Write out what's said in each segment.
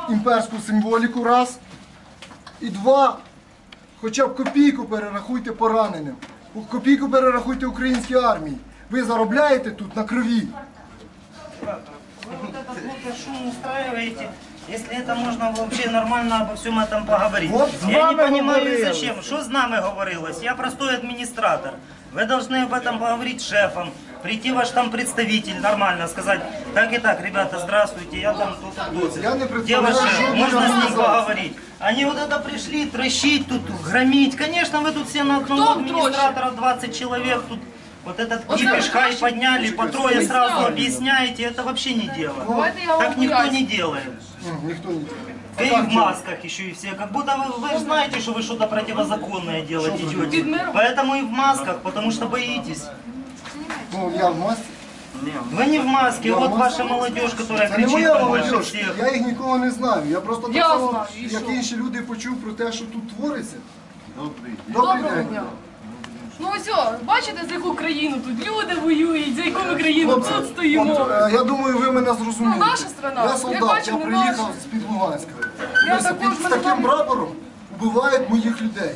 імперську символіку, раз. І два, хоча б копійку перерахуйте пораненим. Копійку перерахуйте українській армії. Ви заробляєте тут на крові. Вы вот этот вот шум устраиваете, если это можно вообще нормально обо всем этом поговорить. Вот с Я не вами понимаю, говорилось. зачем. Что с нами говорилось? Я простой администратор. Вы должны об этом поговорить с шефом. Прийти ваш там представитель, нормально сказать, так и так, ребята, здравствуйте, я там тут. Я не Где представляю, ваш шеф? что Можно с ним организация. поговорить. Они вот это пришли, трощить тут, громить. Конечно, вы тут все на одного Кто администратора 20 человек тут. Вот этот Вот кипиш, это хай наши- подняли, по трое сразу Объясняю. объясняете, это вообще не дело. Давайте я вам Так никто поясню. не делает. Ніхто не И в масках еще и все. Как будто вы знаете, что вы что-то противозаконное делать идете. Поэтому и в масках, потому что боитесь. Ну, я в масці. Вы не в маске, Я в вот маске. ваша молодежь, которая Це не кричит моя там больше молодь, всех. я їх нікого не знаю. Я просто так Я само, знаю, і як що? інші люди, почув про те, що тут твориться. Добрий Доброго день. дня. Ну ось, бачите, за яку країну тут люди воюють, за яку ми країну Хлопці, тут стоїмо. от, я думаю, ви мене зрозумієте. Ну, наша страна. Я Я солдат, бачу, я не приїхав наша. з-під Луганська. Я Тобто також з мене таким там- прапором вбивають моїх людей.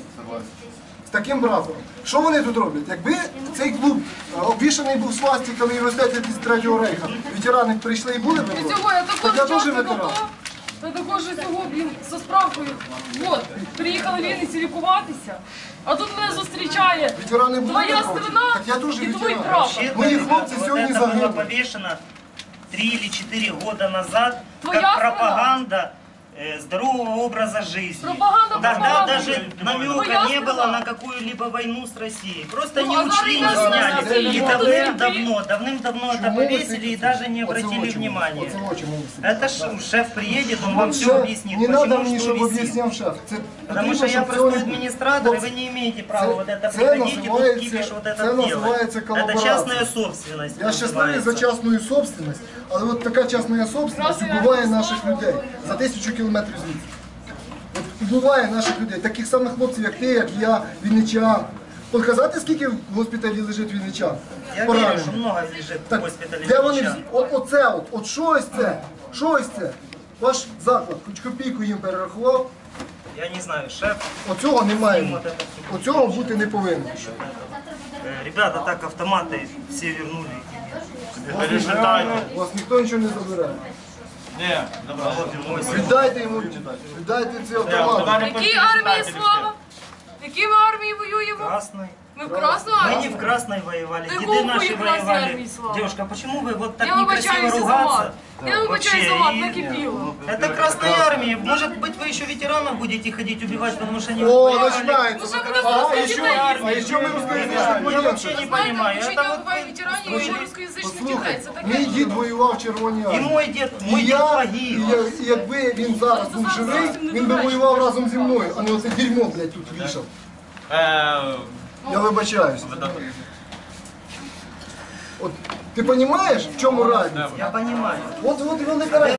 З таким прапором. Що вони тут роблять? Якби цей клуб обвішаний був свастиками і вестеті 33-го рейха, ветерани прийшли і були б І проти? цього я Так також я теж часто ветеран. АТО, та також цього, блін, зі справкою. От, приїхали в Вінниці лікуватися, а тут мене зустрічає Ветерани були твоя б проти? страна Так я теж і твій ветеран. прапор. Вообще-то, Мои ребята, хлопцы вот сегодня это было загинули. повешено 3 или 4 года назад, Твоя как страна. пропаганда здорового образа жизни. Пропаганда Тогда пропаганда. даже намека Твоя не было страна. на какую-либо войну с Россией. Просто Ну, не а учли, не зараз сняли. Россия. И Вот давным-давно это Чому ви повесили сидите? и даже не Оце обратили очі, внимания. оце очі мені сидять. Это шеф приедет, он вам все Шеф, объяснит, не треба почему мені, что щоб висит. об'ясняв шеф. Це Потому потрібно, что я щоб простой цього не було. администратор, и Хлопці, вы не имеете права вот это це приходить и тут називається- кипиш вот это це делать. називається Это коллаборация. частная собственность. Я щасливий за называется. частную собственность, але от така частна собственность убиває наших людей за 1000 кілометрів звідси. От убиває наших людей, таких самих хлопців, як ти, як я, вінничан. Показати, скільки в госпіталі лежить вінничан? Я Поранених. верю, что много лежит в Так, госпитале. де вони врача. оце от що ось це? Що ось це? Ваш заклад, хоч копійку їм перерахував, Я не знаю, шеф. оцього немає. Вот это всё. Оцього бути не повинно. Ребята так автоматы все вернули. У вас ніхто нічого не забере. Ні, добре. Віддайте йому, віддайте ці автомати. Які армії слава? Які ми армії воюємо? Красной. Ми в Красну Мы не армію? в Красной воевали, Ты деды глупый, наши и Красной воевали. армии слава. Девушка, почему вы вот так Я некрасиво вибачаюся за ругаться? мат. Я вибачаюся за мат, И- накипіло. Это Красная Армия. Может быть, вы еще ветеранов будете ходить убивать, потому что они О, воевали. починається. Ну, що ви А нас ще розумієте? а ще ми розказуємо, Я що вообще не Знаєте, понимаю. вчить Это вот буває ветеранів і ще рускоязичних дітей. Послухай, Це мій таке. дід воював в Червоній и армії. мой дед І погиб. і якби він зараз був живий, він би воював разом зі мною, а не оце дерьмо, блядь, тут вішав. Я вибачаюся. От, ти розумієш, в чому разниця? Я понимаю. От і вони кажуть.